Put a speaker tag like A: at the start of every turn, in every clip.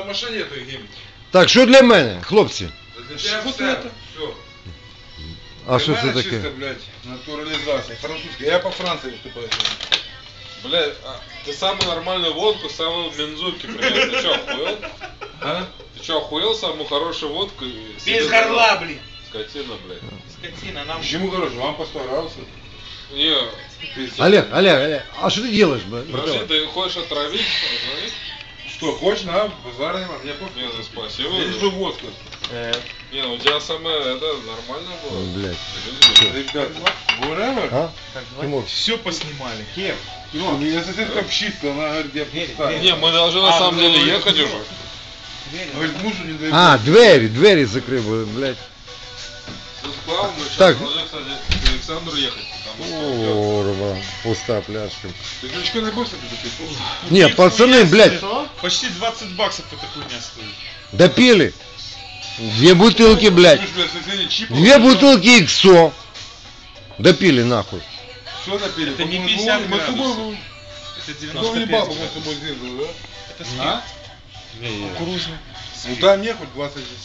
A: машине этой гимн.
B: Так, що для мене, хлопці?
A: Для тебя
C: Вот
A: все.
C: это.
A: Все.
B: А що це
A: Чисто,
B: таке?
A: блядь, натурализация. Французская. Я по Франции выступаю.
C: Блядь, ты самую нормальную водку, самую мензурки принес. Ты чё, охуел?
A: А?
C: Ты чё, охуел самую хорошую водку?
D: Без горла, блин.
C: Скотина, блядь.
D: Скотина, нам...
A: Почему хорошо? Вам постарался.
C: Не,
B: Олег, а що ти робиш,
C: подожди,
B: братан?
C: ты хочешь отравить? Звони.
A: Что, хочешь, на, базар нема, мне
C: Не,
A: пофиг.
C: ну спасибо.
A: Здесь же водка.
C: Не, ну у тебя самое, это, нормально было.
B: Блядь.
A: Ребят, whatever.
B: А? Тимур,
D: Все поснимали. Кем?
A: Ну, меня соседка пшитка, она говорит, я пустая.
C: Не, мы должны на самом деле ехать уже.
A: Говорит, мужу не дай.
B: а, двері закрив, блядь.
C: Ты склал, мы сейчас
B: Так.
C: должны, кстати, к Александру ехать. Потому что
B: Курва, пуста пляшка.
A: Ты ключка не будешь допить?
B: Не, пацаны, блядь,
D: Почти 20 баксов эта хуйня стоит.
B: допили. 2 бутылки, блядь.
A: Две
B: 2 бутылки иксо. Допили нахуй.
A: Что напили?
D: Это не
A: Мы
D: 50
A: с тобой,
D: градусов. Это
A: ну,
D: 95
A: ебал, мы с
D: градусов.
A: тобой сделали, да?
D: Это спирт. Кукурузный.
A: Ну дай мне хоть 20 здесь.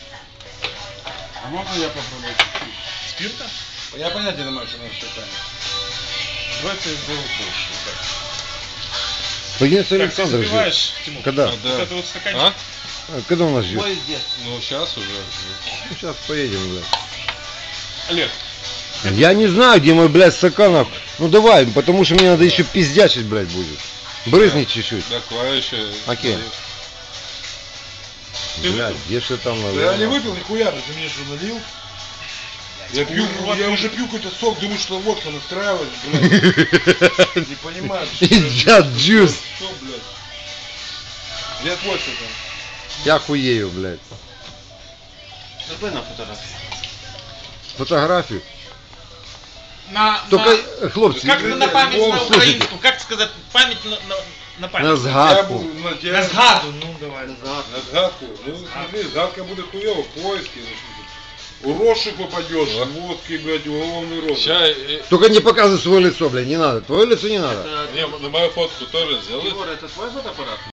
A: А можно я попробую?
D: Спирта?
A: Я понятия не знаю, что надо считать.
D: Давайте я сделаю больше. Вот так.
B: Пойдем с
D: Так, ты
B: Александром ждет.
D: запиваешь, Тимур?
B: Когда?
D: Вот это вот стаканчик.
C: А?
B: Когда у нас ждет?
C: Ну сейчас уже.
B: Ну, сейчас поедем, блядь.
D: Олег,
B: Я не знаю, где мой, блядь, стаканов. Ну давай, потому что мне надо еще пиздячить, блядь, будет. Брызни чуть-чуть.
C: Давай еще.
B: Окей.
D: Ты
B: Блядь,
D: выпил?
B: где же там
A: Да
B: надо?
A: я не выпил нихуя, ты мне что налил? Я пью, я уже пью какой-то сок, думаю, что водка настраивает, блядь. Не понимаю, что
B: Пиздят джуз.
A: Что, блядь? Где твой стакан?
B: Я хуею, блядь.
D: давай на фотографию.
B: Фотографию.
D: На,
B: Только, хлопцы,
D: как на память на
B: слушайте.
D: украинскую, как сказать, память на память.
B: на
A: Я
B: згадку.
A: буду на
D: На
A: тебя.
D: згаду, ну давай.
A: На згадку. Ну смотри, згадка будет хуёво, поиски. У розшук попадешь, водки, блядь, уголовный розыск.
C: Сейчас,
B: Только не показывай свое лицо, блядь, не надо. Твое лицо не надо.
C: не, на мою фотку тоже сделай.
D: это твой фотоаппарат?